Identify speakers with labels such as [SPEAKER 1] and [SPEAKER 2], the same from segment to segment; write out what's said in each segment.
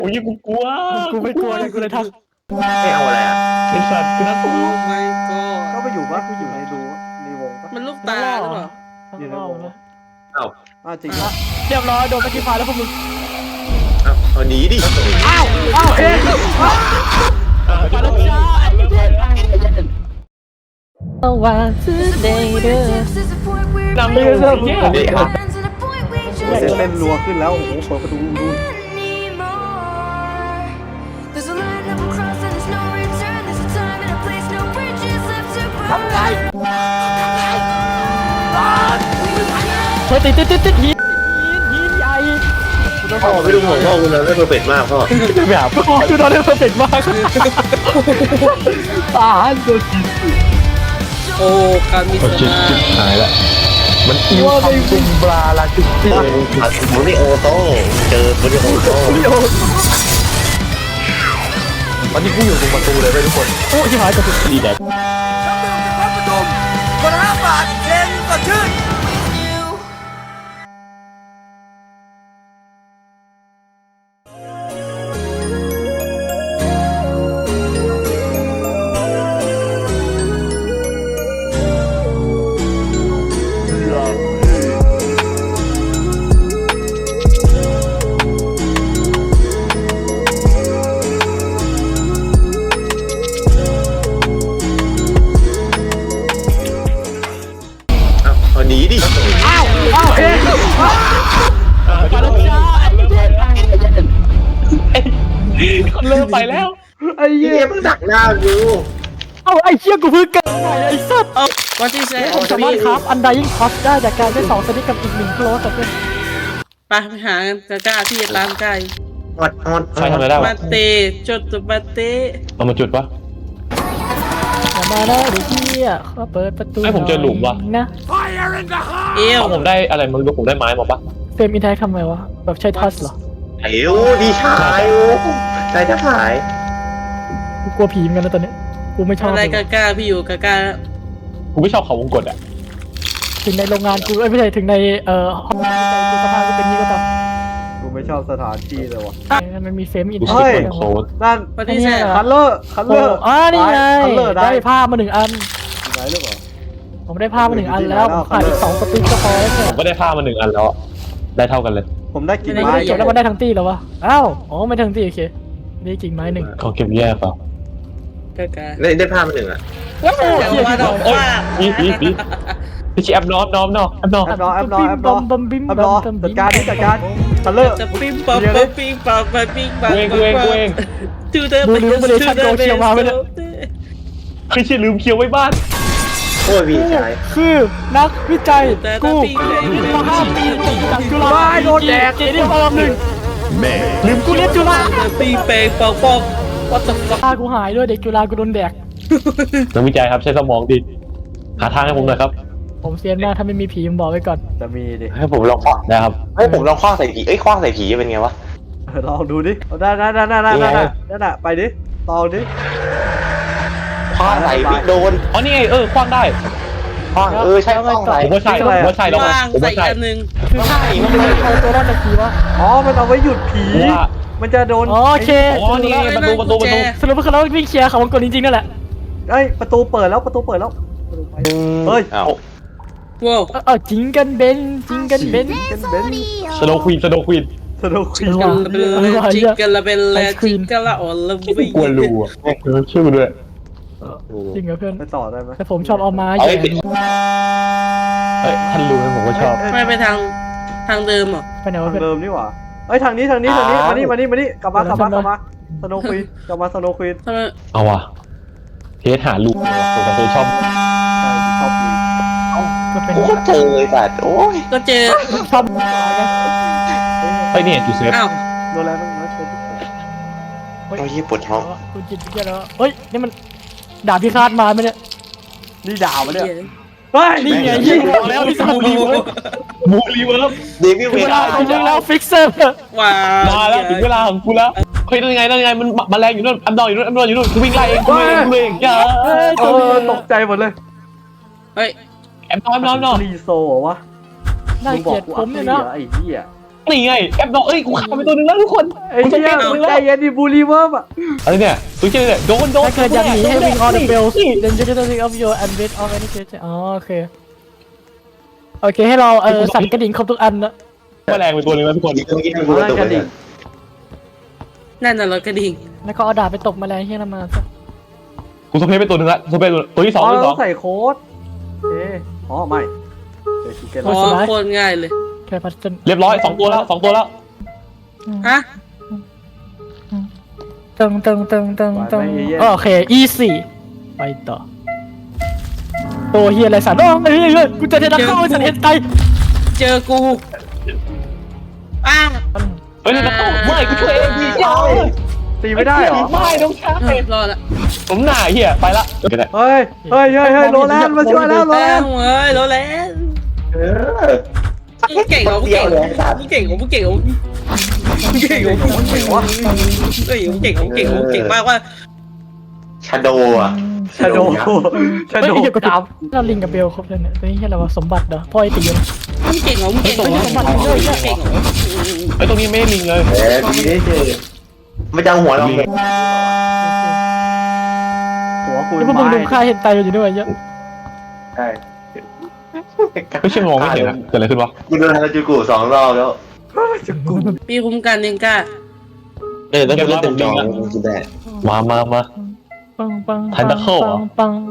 [SPEAKER 1] โอ้ยกูกลัว
[SPEAKER 2] กูไม่กลัวเลยกูเลยทัก
[SPEAKER 3] ไม่เอาอะไรอ่ะ
[SPEAKER 1] ไอ้สัตว์กูน่ากลัว
[SPEAKER 4] ไม่ก็
[SPEAKER 5] ก็ไปอยู่ปะกูอยู่ในรูในวงปะ
[SPEAKER 4] มันลูกตาหรือเปล่า
[SPEAKER 5] อยู่ในวงปะ
[SPEAKER 3] เอ้า
[SPEAKER 5] จริงปะ
[SPEAKER 2] เรียบร้อยโดนเมื่อกี้พาแล้วพวกมึง
[SPEAKER 3] เอาหนีดิ
[SPEAKER 5] อ้าวเอ๊ะ
[SPEAKER 2] มาแล้วจ้าเอาว่าซื้อเดย์เด้อน
[SPEAKER 1] ำไปเลยเหี้ย
[SPEAKER 3] นี่ครับ
[SPEAKER 5] เต้นรัวขึ้นแล้วโอ้โหเปิดประตูดู
[SPEAKER 6] There's a line I've crossed and there's no return. There's a time and a place, no bridges left to burn.
[SPEAKER 2] เฮ้ยติดหินใหญ่
[SPEAKER 3] พ่อไม่รู้ของพ่อคุณนะไม่เพอร์เฟกต์มากพ่อ
[SPEAKER 2] ไม่หาพ่อดูตอนนี้เพอร์เฟกต์มากตาโดนจิต
[SPEAKER 4] โอ้การมีส
[SPEAKER 1] จิต
[SPEAKER 4] มา
[SPEAKER 1] จิตหายละมันอิวทำจุงบลาลาจุกจิ
[SPEAKER 3] ผัดโมนิโอโต้เจอโมนิโอโต้
[SPEAKER 1] ตอนนี้กูอยู่ตรงประตูเลยไปทุกคน
[SPEAKER 2] โอ้ยหายกับ
[SPEAKER 1] ดีแดก
[SPEAKER 3] เอาหนีดิ
[SPEAKER 5] อ้าวเอ๊ะ
[SPEAKER 2] มาแล้วจ้า
[SPEAKER 1] เริ่มไปแล้ว
[SPEAKER 5] ไอ้เหี้
[SPEAKER 3] เหี้
[SPEAKER 5] ย
[SPEAKER 3] ยมึงดักหน้ากู
[SPEAKER 2] เอาไอ้เชี่ยกูเพิ่งเกิดใหม่ไอ้สัตว์
[SPEAKER 4] วันที่แซ่
[SPEAKER 2] ผมสามารถครับอันไดยิ่งคอสได้จากการได้2สนิทกับอีก1โคลสแต่เพื่อน
[SPEAKER 4] ไปหากันกล้าที่ร้านไก่
[SPEAKER 3] อด
[SPEAKER 1] ใครทำอะไรได้
[SPEAKER 4] มาเตะจดตัวมาเตะ
[SPEAKER 1] เอามาจุดปะ
[SPEAKER 2] อย่ามาได้เดี๋ยวเชี่ยเขาเปิดประตู
[SPEAKER 1] ให้ผมเจอหลุมว่ะ
[SPEAKER 2] นะ
[SPEAKER 4] เอว
[SPEAKER 1] เอาผมได้อะไรมึงรู้ผมได้ไม้มาปะ
[SPEAKER 2] เฟรมอินแท็กทำไมวะแบบใช้ทัชเหรอ
[SPEAKER 3] ไอ้โอ้ดีชายโอ้ใจจะหาย
[SPEAKER 2] กูกลัวผีเหมือนกันนะตอนนี้กูไม่ชอบ
[SPEAKER 4] อะไร
[SPEAKER 2] เลย
[SPEAKER 4] กล้าพี่อยู่กล้า
[SPEAKER 1] กูไม่ชอบเขาวงกดอ่ะ
[SPEAKER 2] ถึงในโรงงานกูไม่ใช่ถึงในห้องน้ำกูสภาพกูเป็นนี้ก็ตาม
[SPEAKER 5] กูไม่ชอบสถานที่เลยวะ
[SPEAKER 2] มันมีเฟรมอิน
[SPEAKER 1] กู
[SPEAKER 2] แท็
[SPEAKER 1] สิ
[SPEAKER 2] ก
[SPEAKER 1] บคนโคตร
[SPEAKER 5] นั่น
[SPEAKER 4] วันที่แซ่
[SPEAKER 5] คัลเลอร์คัลเลอร์
[SPEAKER 2] นี่ไง
[SPEAKER 5] คัลเลอร์ได้
[SPEAKER 2] ได้ผ้ามา1 อัน
[SPEAKER 5] ไหนหรือเปล่า
[SPEAKER 2] ผมได้ผ้ามา1 อันแล้วผมขาดอีก2สติ๊กก็พอแล้วเนี่ย
[SPEAKER 1] ผมก็ได้ผ้ามา1 อันแล้วอะได้เท่ากันเลย
[SPEAKER 5] ผมได้กิ่ง
[SPEAKER 2] ไม่
[SPEAKER 5] ไม้
[SPEAKER 2] ได้เก็บแล้วมันได้ทั้งตีแล้ววะอ้าวอ๋อไม่ทั้งตีโอเคนี่กิ่งไม้1
[SPEAKER 1] เขาเก็บแยกเปล่าก
[SPEAKER 4] ล้า
[SPEAKER 3] ได้ภาพมาหนึ่งอ่ะ
[SPEAKER 4] อย่างว่าดอกว่า
[SPEAKER 1] พี่ชี้แอปน้อมแอปน้อม
[SPEAKER 5] แอปรอจัดการนี่จัดการคัลเลอร์
[SPEAKER 4] จะปิ้งปังปิ้งปังปิ้งปัง
[SPEAKER 1] กูเอง
[SPEAKER 4] ทูเดอร์
[SPEAKER 1] คือชื่อลืมเคียวไว้บ้าน
[SPEAKER 3] โอ้ยพี่ชาย
[SPEAKER 2] คือนักวิจัยกูมา5 ปีติดจากจุฬาโดนแดกเจนี่ปลอม1ลืมกูเรียนจุฬา
[SPEAKER 4] ปิ้งเปงปองปอง what the fuck
[SPEAKER 2] ตากูหายด้วยเด็กจุฬากูโดนแดก
[SPEAKER 1] นักวิจัยครับใช้สมองดิหาทางให้ผมหน่อยครับ
[SPEAKER 2] ผมเซียนมากถ้าไม่มีผีผมบอกไว้ก่อน
[SPEAKER 5] จะมีดิ
[SPEAKER 1] ให้ผมลองคว้างนะครับ
[SPEAKER 3] ให้ผมลองคว้างใส่ผีคว้างใส่ผีเป็นไงวะ
[SPEAKER 5] ลองดูดิได้นั่นไปดิตองดิ
[SPEAKER 3] คว้างใส่พี่โดน
[SPEAKER 1] อ๋อนี่ไงคว้างได้
[SPEAKER 3] คว้างใช่คว้างใส่
[SPEAKER 1] ผมว่าใช่แล้ว
[SPEAKER 4] ว่าง
[SPEAKER 1] ผม
[SPEAKER 4] ใส่
[SPEAKER 1] ว่าใช่
[SPEAKER 4] อันหนึ่ง
[SPEAKER 2] คือถ้ามันเอาตัวรอดจากผีวะ
[SPEAKER 5] อ๋อมันเอาไว้หยุดผีมันจะโดน
[SPEAKER 2] โอเค
[SPEAKER 1] อ๋อนี่ประตู
[SPEAKER 2] สรุปว่าเขาวิ่งเคลียร์เขาวงกลจริงๆนั่นแหละ
[SPEAKER 5] เอ้ยประตูเปิดแล้วเฮ้ย
[SPEAKER 3] อ้าว
[SPEAKER 4] ว้าว
[SPEAKER 2] จริงกันเบนจริงกันเบน
[SPEAKER 5] เบน
[SPEAKER 1] สโนว์ควีน
[SPEAKER 5] สนุกคุย
[SPEAKER 4] จิกกันละเป็นแลจิกกันละอ่อนละวิ่ง
[SPEAKER 1] กลัวรูอ่ะชื่อด้วย
[SPEAKER 2] จริงเหรอเพื่อน
[SPEAKER 5] ไปต่อได้ไหม
[SPEAKER 2] แต่ผมชอบเอาม้า
[SPEAKER 1] เอ้
[SPEAKER 2] แย่
[SPEAKER 1] ยท่านรู้ไหมผมก็ชอบ
[SPEAKER 4] ไม่ไปทางเดิมหรอ
[SPEAKER 2] ไปไหนวะ
[SPEAKER 5] ทาง
[SPEAKER 2] เพื่อน
[SPEAKER 5] เดิมนี่หว่าเอ้ยทางนี้มานี่กลับมาสโนคุยกลับมาสโนคุย
[SPEAKER 4] ทำไม
[SPEAKER 1] เอาว่ะเทสหาลูกผมก็เคยชอบ
[SPEAKER 5] ชอบ
[SPEAKER 2] ก็เป็น
[SPEAKER 3] กูก็เจอเลยสัตว์โอ้ย
[SPEAKER 4] ก็เจอ
[SPEAKER 2] ชอบ
[SPEAKER 1] ไปเนี่ยจูเซฟ
[SPEAKER 4] อ้าว
[SPEAKER 5] โดนแล้วมันไม่เจอ
[SPEAKER 3] โอ้ยปวดท้อง
[SPEAKER 2] คุณจิตเยอะแล้วเฮ้ยนี่มันดาบพิฆาตมาไหมเนี่ย
[SPEAKER 5] นี่ด่ามันเนี่ยเฮ้ย
[SPEAKER 2] นี่ไงยิงบอกแล้วที่สามรีเวิร์
[SPEAKER 1] มูรีเวิร์บ
[SPEAKER 3] เดวิลเว
[SPEAKER 2] เว
[SPEAKER 3] ลา
[SPEAKER 2] ลาจริงแล้วฟิกเซอร์
[SPEAKER 4] ว้า
[SPEAKER 1] มาแล้วถึงเวลาของกูแล้วเฮ้ยนั่นไงมันมาแรงอยู่นู่นอัมดอนอยู่นู่นกูวิ่งไล่เองกูเองอย่า
[SPEAKER 5] ตกใจหมดเลย
[SPEAKER 4] เฮ้ย
[SPEAKER 1] แอมนอน
[SPEAKER 5] รีโซวะ
[SPEAKER 2] น่าเกลียดผมเนี่ยนะ
[SPEAKER 5] ไอ้เหี้ย
[SPEAKER 1] นี่ไงแอปดอกเอ้ยกูฆ่าไปตัวนึงแล้วทุกคน
[SPEAKER 5] ไอ้เหี้ยมึงใจเย็นดิบูลลีเวิร์มอ่ะ
[SPEAKER 1] อะไรเนี่ยตัวเชี่ยเนี่ยโดน
[SPEAKER 2] ถ้าเกิดอยากหนีให้วิ่ง on the bells then you can think of your and bit of any creature อ๋อโอเคโอเคให้เราสั่นกระดิ่งครบทุกอันนะ
[SPEAKER 1] แมลงไปตัวนึงแล้วทุกคน
[SPEAKER 3] เมื่อกี้ให้กูตัวเนี่ย
[SPEAKER 4] นั่นน่ะรถกระดิ่ง
[SPEAKER 2] แล้วก็เอาดาบไปตบแมลงที่นั่นมาซะ
[SPEAKER 1] กูสเปรย์ไปตัวนึงละสเปรย์ตัวที่สอง
[SPEAKER 5] เรา
[SPEAKER 1] ตัวที่ส
[SPEAKER 5] ต้
[SPEAKER 1] อ
[SPEAKER 5] อง งใส่โค้ดเอ๊ะอ๋อไม่เดี๋ยวคิดกัน
[SPEAKER 4] อ๋อโคตรง่ายเลย
[SPEAKER 2] แค่พัดจน
[SPEAKER 1] เรียบร้อย2ตัวแล้ว2ตัวแล้ว
[SPEAKER 4] ฮะ
[SPEAKER 2] ตึงโอเค easy ไปต่อตัวเฮียอะไรสัตว์เฮ้ยกูจะเทนักเข้าสัตว์เห็นไต
[SPEAKER 4] เจอกูอ้า
[SPEAKER 1] เฮ้ยแล้วไม่กูช่วยเองพี่เจ้า
[SPEAKER 5] ตีไม่ได้เหรอ
[SPEAKER 1] ไม่ต้องใช้
[SPEAKER 4] รอดละ
[SPEAKER 1] ผมหน้าเฮียไปละ
[SPEAKER 5] เฮ้ยโรแลนด์มาช่วยแล้วโรแล
[SPEAKER 4] แล้
[SPEAKER 5] น
[SPEAKER 4] ว
[SPEAKER 5] ด์
[SPEAKER 4] เฮ้ยรอแล้ว
[SPEAKER 3] เออ
[SPEAKER 4] มึงเก่งเหรอมึงเก่งเหรอมึงเก่งเหรอมึงเก่งเหรอมึงเก่งเหรอมึงเก่งเหรอเฮ้ยมึงเก่งเหรอมึงเก่งเหรอมึงเก่งมากว่า
[SPEAKER 3] ชาโดอ่ะ
[SPEAKER 5] ชาโดดาบ
[SPEAKER 2] เราลิงกับเบลครบเลยเนี่ยตัวนี้แค่เราสมบัติเหรอพ่อไอตีนะ
[SPEAKER 4] มึงเก่งเหรอมึงเก่งเหรอมึงเก่งเหรอมึงเก่งเหรอ
[SPEAKER 1] ไอ้ตรงนี้ไม่ได้ลิงเลย
[SPEAKER 3] ดีได้เจอไม่จังหัวเราเลย
[SPEAKER 5] หัวคุณ
[SPEAKER 2] แล้วพวกมึงดูค่าเห็นไตอยู่ด้วยเยอะ
[SPEAKER 3] ใช่
[SPEAKER 1] ไม่ใช่มองไม่เห็นนะเกิดอะไรขึ้นวะ
[SPEAKER 3] กูโดนฮาราจูกุ2 รอบแล้ว
[SPEAKER 4] พี่คุ้มกันยังกล้า
[SPEAKER 3] ต้องเล่นเต็มจอกินได้
[SPEAKER 1] มา
[SPEAKER 2] ปัง
[SPEAKER 1] Tentacle เหรอ
[SPEAKER 2] ปัง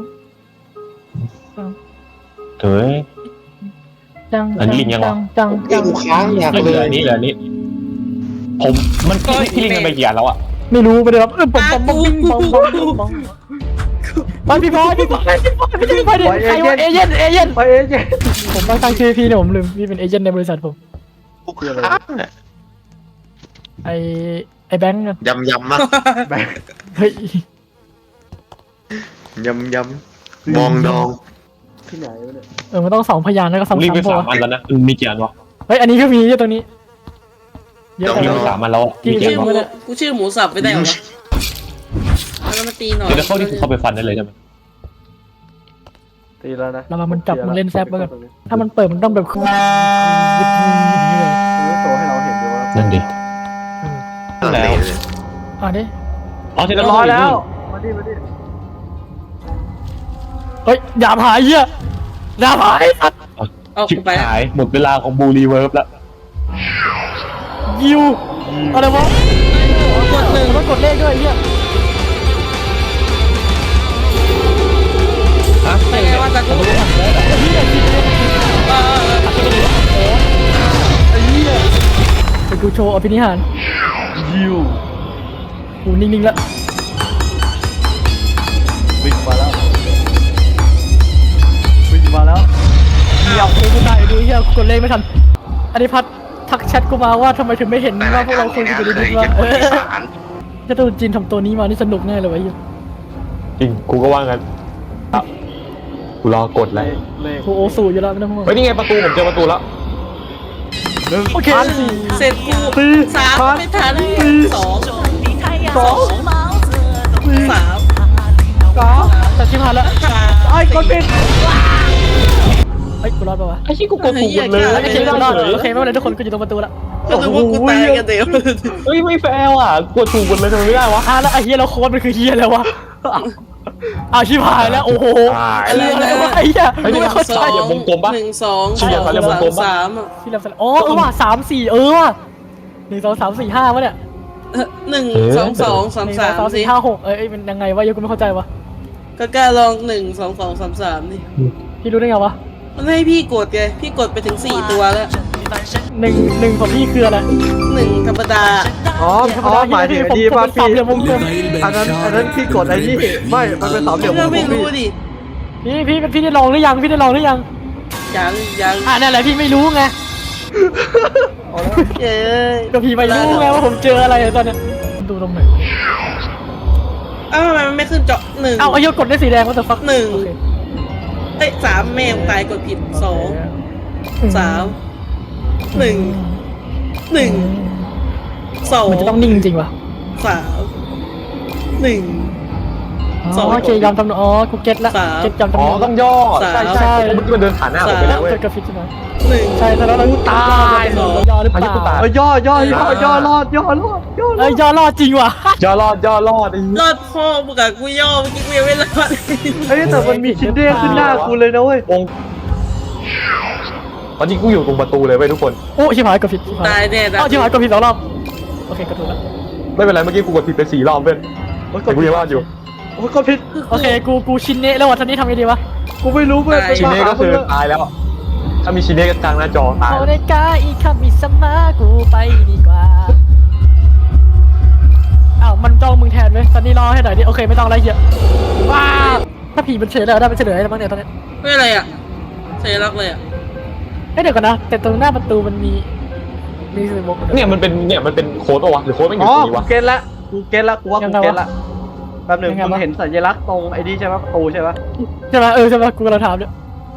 [SPEAKER 1] เฮ้ย
[SPEAKER 2] จัง
[SPEAKER 1] อันนี้ลิงยังวะ
[SPEAKER 2] จัง
[SPEAKER 3] กูค้างอยาก
[SPEAKER 1] เห
[SPEAKER 3] เล
[SPEAKER 1] ลือย นี่เหลือนี่ผมมันพี่ลิงกันไปกี่อันแล้วอ่ะ
[SPEAKER 2] ไม่รู้ไม่ได้รับปังไปพี่บอยดิใครว่าเอเย่น
[SPEAKER 5] ไปเอ๊ะ
[SPEAKER 2] ผมตั้งชื่อพี่เนี่ยผมลืมพี่เป็นเอเย่นในบริษัทผม
[SPEAKER 3] กูค้างอ่ะ
[SPEAKER 2] ไอแบงค์กัน
[SPEAKER 3] ยำมาก
[SPEAKER 2] เฮ้ย
[SPEAKER 3] ยำมองดอง
[SPEAKER 5] ที่ไหนวะเนี่ย
[SPEAKER 2] มันต้อง2 พยานแล้วก็
[SPEAKER 1] ลิงไป
[SPEAKER 2] ซ้ำ
[SPEAKER 1] 3 อันแล้วนะมีกี่อันวะ
[SPEAKER 2] เฮ้ยอันนี้ก็มีตรงนี้เยอะ
[SPEAKER 1] ลิง
[SPEAKER 2] จัง
[SPEAKER 1] ไป3 อันแล้วมีกี่อันวะ
[SPEAKER 4] กูชื่อหมูสับไปได้เหรอแล้วมาตีหน่อย
[SPEAKER 1] เดี๋ยวเข้าที่เข้าไปฟันได้เลยใช่ไหม
[SPEAKER 5] ตีแล้วนะ
[SPEAKER 2] เรามันจับมันเล่นแซบแล้วกันถ้ามันเปิดมันต้องแบบอย่างนี้เลย
[SPEAKER 5] มันโชว์ให้เราเห็นด้วยว่า
[SPEAKER 1] นั่นดิ
[SPEAKER 3] แล้ว
[SPEAKER 2] ดิ
[SPEAKER 1] อ๋อเสร็จ
[SPEAKER 5] เรี
[SPEAKER 1] แล้
[SPEAKER 5] ยว บร้อยแล้วมาดิ
[SPEAKER 2] เฮ้ยอย่าหายเหี้ยอย่าหายสัตว์
[SPEAKER 4] เอา
[SPEAKER 1] ชิบ
[SPEAKER 4] ไป
[SPEAKER 1] หายหมดเวลาของบูรีเวิร์บแล้ว
[SPEAKER 2] ยิวอะไรวะ
[SPEAKER 4] กดหนึ่ง
[SPEAKER 2] มันกดเลขด้วยเหี้ย
[SPEAKER 1] ฮะ
[SPEAKER 4] ไปไงว่าจะกู
[SPEAKER 2] ไปกูโชว์อภินิหาร
[SPEAKER 5] ยิว
[SPEAKER 2] กูนิ่งๆแล้ว
[SPEAKER 5] วิ่งมาแล้ว
[SPEAKER 2] เดี๋ยวกูตายดูเหี้ยกดเลขไม่ทันอันนี้พัดทักแชทกูมาว่าทำไมถึงไม่เห็นว่าพวกเราคุยกันอยู่ดีๆว่าจะตัวจีนทำตัวนี้มานี่สนุกแน่เลยวะเหี้ย
[SPEAKER 1] จริงกูก็ว่างั้นกูรอกดเลย
[SPEAKER 5] เลข
[SPEAKER 2] กูโอสูอยู่แล้วไม่ต้องห่วง
[SPEAKER 1] เฮ้ยนี่ไงประตูผมเจอประตูแล้ว
[SPEAKER 2] โอเค
[SPEAKER 4] เสร็จกู3ไม่ทัน2 3
[SPEAKER 2] แต่ชิมหายแล้ว
[SPEAKER 5] ไอ้กดปิด
[SPEAKER 2] เฮ้ยกูรอดปะวะ
[SPEAKER 1] ไอ้ที่กูกดถูกหมดเลย
[SPEAKER 2] โอเคกูรอดโอเคไม่เป็นไรทุกคนกูอยู่ตรงประตูละ
[SPEAKER 4] ก็นึกว่ากูตายกันเดียว
[SPEAKER 1] เฮ้ยไม่แฟร์ว่ะกดถูกหมดเลยทำไมไม่ได้วะ
[SPEAKER 2] แล้วไอ้เฮียเราโค้ดมันคือเฮียแล้ววะอ้าวชิบหายแล้วโอ้โหอะไรวะไอ้เฮียไม่เข้าใจ
[SPEAKER 1] เดี๋ยววงกลมปะ
[SPEAKER 4] 1 2 3 3
[SPEAKER 2] ที่เราอ๋อว่ะ3-4ว่ะ1 2 3 4 5วะเนี่ย
[SPEAKER 4] 1 2 2 3 3
[SPEAKER 2] 3 4 5 6มันยังไงวะยังกูไม่เข้าใจวะ
[SPEAKER 4] ก็กล้าลอง1 2 2 3 3นี่
[SPEAKER 2] พี่รู้ได้ไงวะ
[SPEAKER 4] มันให้พี่กดไงพี่กดไปถึง4ตัวแล้ว
[SPEAKER 2] 1ของพี่คืออะไร
[SPEAKER 4] 1ธรรมดา
[SPEAKER 5] อ๋อหมายถึงไอ้นี่ป่ะ
[SPEAKER 2] สามเหลี่ยมวงกลม
[SPEAKER 5] อันนั้นพี่กดไอ้นี่ไม่มันเป็น3 เหลี่ยมว
[SPEAKER 4] ก็
[SPEAKER 5] งกล
[SPEAKER 4] ไม่
[SPEAKER 5] ม
[SPEAKER 4] รู้ดิ
[SPEAKER 2] พี่ได้ลองหรือยังพี่ได้ลองหรือยัง
[SPEAKER 4] ยัง
[SPEAKER 2] นั่นแหละพี่ไม่รู้ไง
[SPEAKER 4] เอ้ย
[SPEAKER 2] ก็พี่ไม่รู้ไงว่าผมเจออะไรตอนเนี้ยดูตรงไหน
[SPEAKER 4] ทำไมมันไม่ขึ้นเจาะ1
[SPEAKER 2] เอาไอ้ยกดได้สีแดงว่าแต่ฟัก
[SPEAKER 4] 1 เอ้ย3แม่งตายกดผิด2 3 1 1 2
[SPEAKER 2] มันจะต้องนิ่งจริงวะ
[SPEAKER 4] 3 1
[SPEAKER 2] อ๋อโอเคยอมทำอ๋อกูเก็ตละเก็ตยอม
[SPEAKER 1] อ๋อ
[SPEAKER 2] ทำ
[SPEAKER 1] ต้องย่อใช่ใช่เมื่อกี้มันเดินผ่านหน้าผมไปแล้วเว้ย
[SPEAKER 2] เกิดกับฟิตใช่ไหม
[SPEAKER 4] หนึ่ง
[SPEAKER 2] ใช่แล้วเราตายย่อหรือเป
[SPEAKER 1] อายุกู
[SPEAKER 2] ล่า
[SPEAKER 1] ตาย
[SPEAKER 5] ย่อรอดย่อรอด
[SPEAKER 2] เอ้ยย่อรอดจริงว่ะ
[SPEAKER 1] ย่อรอดไอ้
[SPEAKER 4] รอดพ่อมึงกับกูย่อเมื่อกี้กูยังไม่รอด
[SPEAKER 5] เฮ้ยแต่มันมีชิ้นเด้งขึ้นหน้ากูเลยนะเว้ย
[SPEAKER 1] องตอนนี้กูอยู่ตรงประตูเลยเว้ยทุกคน
[SPEAKER 2] โอ้ชิบหายกับฟิต
[SPEAKER 4] ตายแน่
[SPEAKER 2] อ๋อชิบหายกับฟิต2 รอบโอเคกระถูกแล้ว
[SPEAKER 1] ไม่เป็นไรเมื่อกี้กูกดผิดไป4 รอบเว้ยแต่กูยังรอดอยู่
[SPEAKER 5] โอ้ยก็ผิด
[SPEAKER 2] โอเคกูชินเนะแล้ววันนี้ทำไงดีวะ
[SPEAKER 5] กูไม่รู้เว้ย
[SPEAKER 1] ชิเน่ก็คือตายแล้ว ถ้ามีชิเน่กลางหน้าจอตาย
[SPEAKER 2] โอเนกาอีคามิสมากูไปดีกว่าอ้าวมันจ้องมึงแทนไหมตอนนี้รอให้หน่อยดิโอเคไม่ต้องอะไรเยอะว้าถ้าผีมันเฉยแล้วได้มันเฉลยอะไรบ้างเนี่ยตอนนี้
[SPEAKER 4] ไม่อะไรอ่ะเซรักเลยอ่ะ
[SPEAKER 2] เอ้ยเดี๋ยวก่อนนะแต่ตรงหน้าประตูมันมีสมอง
[SPEAKER 1] เนี่ยมันเป็นโค้ดปะวะหรือโค้ดไม่อ
[SPEAKER 5] อ๋
[SPEAKER 1] ยู่
[SPEAKER 5] อ
[SPEAKER 1] ตรงนี้
[SPEAKER 5] กู
[SPEAKER 1] วะ
[SPEAKER 5] เก็ตละกูว่ากูเก็ตละแป๊บหนึงมึงเห็นสัญลักษณ์ตรงไอ้นี่ใช่ไหมประตูใช่ไหม
[SPEAKER 2] ใช่ไหมใช่ไหมกูกำลังถามเนี่ย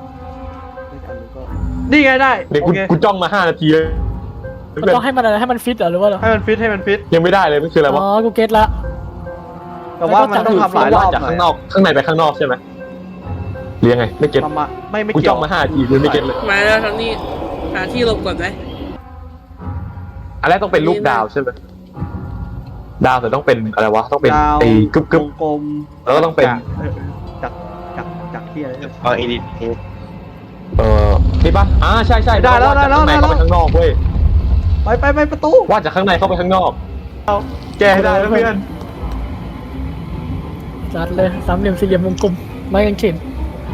[SPEAKER 5] นี่ไงได้
[SPEAKER 1] เดี๋ยว
[SPEAKER 5] โอเค
[SPEAKER 1] กูจ้องมา5 นาทีเลย
[SPEAKER 2] มันต้องให้มันอะไรให้มันฟิตเหรอหรือว่าอะไร
[SPEAKER 5] ให้มันฟิต
[SPEAKER 1] ยังไม่ได้เลยมันคืออะไร
[SPEAKER 2] อ๋
[SPEAKER 1] วะ
[SPEAKER 2] อกูเก็ตละ
[SPEAKER 5] แต่ว่ามันต้องทำหลายรอบ
[SPEAKER 1] จาก
[SPEAKER 5] หน่อย
[SPEAKER 1] ข้างนอกข้างในไปข้างนอกใช่ไหมหรือยังไงไม่เก็ต
[SPEAKER 5] ประมาณไม่
[SPEAKER 1] กู
[SPEAKER 5] เกี่
[SPEAKER 1] จ้
[SPEAKER 5] ย
[SPEAKER 1] อ
[SPEAKER 5] ว
[SPEAKER 1] งมา5 นาทีเลยไม่เก็ตเลย
[SPEAKER 4] มาแล้วทั้งนี้หาที่หลบก่อนไหม
[SPEAKER 1] อันแรกต้องเป็นรูปดาวใช่ไหมดาวแต่ต้องเป็นอะไรวะต้องเป็น
[SPEAKER 5] ดาว
[SPEAKER 1] ไอ้กึบ
[SPEAKER 5] กลม
[SPEAKER 1] แล้วก็ต้องเป็น
[SPEAKER 5] จากที่อะไรเนี่ย
[SPEAKER 3] เอาอีดิท
[SPEAKER 1] นี่ปะใช่
[SPEAKER 5] ได้แล้ว
[SPEAKER 1] าจากข้างในเข้าไปข้างนอกเว้ย
[SPEAKER 5] ไปประตู
[SPEAKER 1] ว่าจากข้างในเข้าไปข้างนอกแกให้ได้แล้วเพื่อน
[SPEAKER 2] จัดเลยสามเหลี่ยมสี่เหลี่ยมวงกลมไม้กางเขน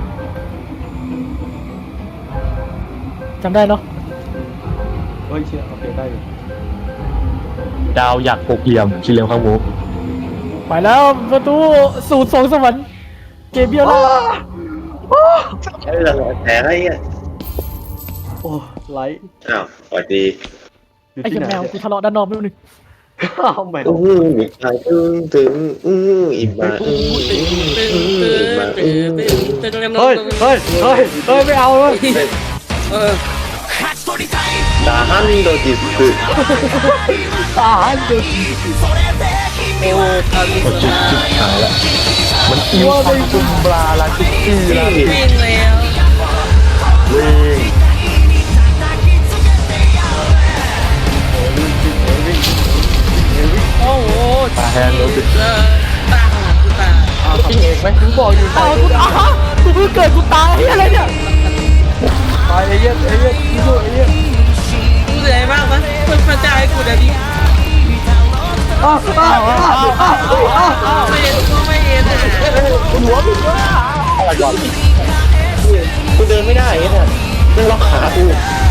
[SPEAKER 2] จำได้เนาะ
[SPEAKER 5] เฮ้ยเชื่อโอเคได้อยู่
[SPEAKER 1] ดาวอยากหกเหลี่ยมสี่เหลี่ยมข้างหมู
[SPEAKER 2] ไปแล้วประตูสูตรสองสวรรค์เกเบียล่า
[SPEAKER 3] ใช้เวลาแต่อะไรเงี้ย
[SPEAKER 5] โอ้ไลท์
[SPEAKER 3] อ้าวสวัสดี
[SPEAKER 5] อยู่
[SPEAKER 2] ไอ้
[SPEAKER 5] ที่
[SPEAKER 2] เหี้ย
[SPEAKER 5] ไหน
[SPEAKER 2] แมวกูทะเลาะด้านนอกไม่รู้นึง
[SPEAKER 5] อ้าวไม่
[SPEAKER 3] มีใครถึงอิ่มมามา
[SPEAKER 5] เฮ้ยไม่เอาเลย
[SPEAKER 4] เออ
[SPEAKER 3] ดาฮันโดจิสึ
[SPEAKER 5] ตายดู
[SPEAKER 4] โอ้คามิสมา
[SPEAKER 1] หายละมันอิ่วพันจุมปลาลาชิกี้ลา
[SPEAKER 4] วิ่งแล้ว
[SPEAKER 1] วิ่ง
[SPEAKER 4] โอ้โห
[SPEAKER 1] ตาแฮนโรบิ
[SPEAKER 4] ตาของกูตา
[SPEAKER 1] ปิ้งเองไหม
[SPEAKER 5] ถึงบอกอยู่
[SPEAKER 2] อ้าวกูกูเพิ่งเกิดกูตายเหี้ยอะไรเนี่ย
[SPEAKER 5] ตายเอเย่นดูเอเย่น
[SPEAKER 4] กูเหนื่อยมากปะคนพระเจ้าให้กูเดี๋ยวนี้
[SPEAKER 5] อ้าว
[SPEAKER 4] ไม่เห็นก็ไม่เห็น
[SPEAKER 1] อะไรก่อน
[SPEAKER 3] กูเดินไม่ได้เนี่ยต้องล็อกขากู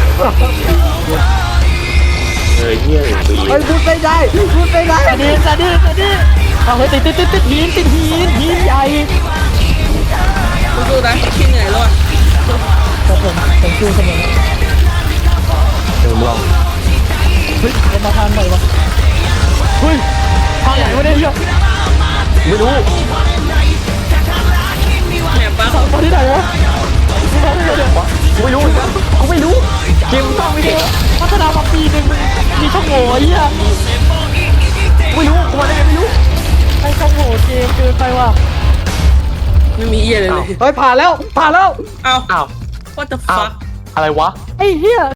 [SPEAKER 3] เฮ้ยเฮี้ยปี
[SPEAKER 5] เฮ้ยพูดไม่ได้
[SPEAKER 2] สวัสดีเอาเฮ้ยติดหินใหญ่
[SPEAKER 4] กูดูนะขี้เหนื่อยแล้วอ่ะ
[SPEAKER 2] ครับผมสู้เสมอ
[SPEAKER 1] เดี๋ยวลอง
[SPEAKER 2] เฮ้ยเรามาทางไหนวะเฮ้ยทางไหนวะเนี่ยเหี้ย
[SPEAKER 1] ไม่รู้
[SPEAKER 4] แหนปะ
[SPEAKER 2] ตอนที่ไหนวะทางไหนเนี่ย
[SPEAKER 1] กูไม่รู้กูไม่รู้เกมต้องไม่ได้
[SPEAKER 2] พัฒนามาปีหนึ่งมีช่องโหว่ไอ้เหี้ย
[SPEAKER 1] ไม่รู้กูมาได้ไงไม่รู้
[SPEAKER 2] ไอ้ช่องโหว่เกมเกินไปว่ะ
[SPEAKER 4] ไม่มีเหี้ยเลย
[SPEAKER 5] เฮ้ยผ่านแล้ว
[SPEAKER 4] เอา
[SPEAKER 1] อ้าว
[SPEAKER 4] what the
[SPEAKER 1] อ้าว
[SPEAKER 4] fuck
[SPEAKER 1] อะไรวะ
[SPEAKER 2] ไอ้เหี้ย